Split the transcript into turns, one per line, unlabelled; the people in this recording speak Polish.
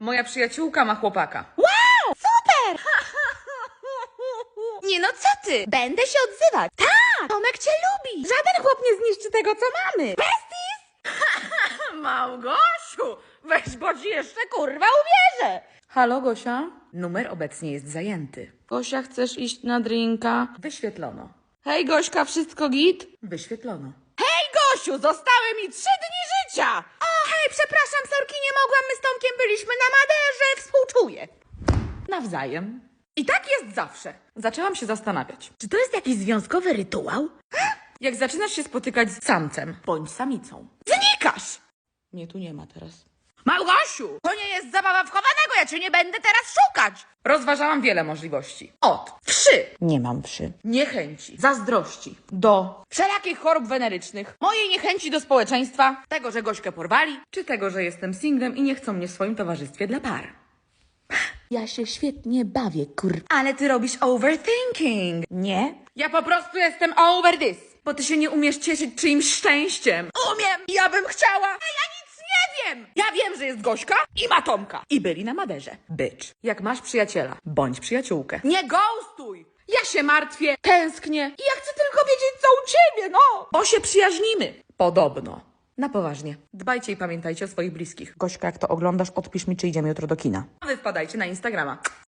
Moja przyjaciółka ma chłopaka.
Wow, super! Nie no, co ty? Będę się odzywać. Tak, Tomek cię lubi. Żaden chłop nie zniszczy tego, co mamy. Besties?
Małgosiu, weź, bo ci jeszcze kurwa uwierzę. Halo, Gosia? Numer obecnie jest zajęty. Gosia, chcesz iść na drinka? Wyświetlono. Hej, Gośka, wszystko git? Wyświetlono.
Hej, Gosiu, zostały mi 3 dni życia. O, hej, przepraszam, sorki, nie mogłam. My z Tomkiem byliśmy na Maderze. Współczuję.
Nawzajem. I tak jest zawsze. Zaczęłam się zastanawiać.
Czy to jest jakiś związkowy rytuał?
Jak zaczynasz się spotykać z samcem bądź samicą.
Znikasz!
Mnie tu nie ma teraz.
Małgosiu, to nie jest zabawa wchowanego, ja cię nie będę teraz szukać.
Rozważałam wiele możliwości. Od wszy,
Nie mam wszy.
niechęci, zazdrości, do wszelakich chorób wenerycznych, mojej niechęci do społeczeństwa, tego, że Gośkę porwali, czy tego, że jestem singlem i nie chcą mnie w swoim towarzystwie dla par.
Ja się świetnie bawię,
Ale ty robisz overthinking.
Nie?
Ja po prostu jestem over this, bo ty się nie umiesz cieszyć czyimś szczęściem.
Umiem!
Ja bym chciała, a ja nic nie wiem. Ja wiem, że jest Gośka i ma Tomka. I byli na Maderze. Bitch. Jak masz przyjaciela, bądź przyjaciółkę. Nie ghostuj! Ja się martwię, tęsknię i ja chcę tylko wiedzieć, co u ciebie, no! Bo się przyjaźnimy. Podobno. Na poważnie. Dbajcie i pamiętajcie o swoich bliskich. Gośka, jak to oglądasz, odpisz mi, czy idziemy jutro do kina. A wy wpadajcie na Instagrama.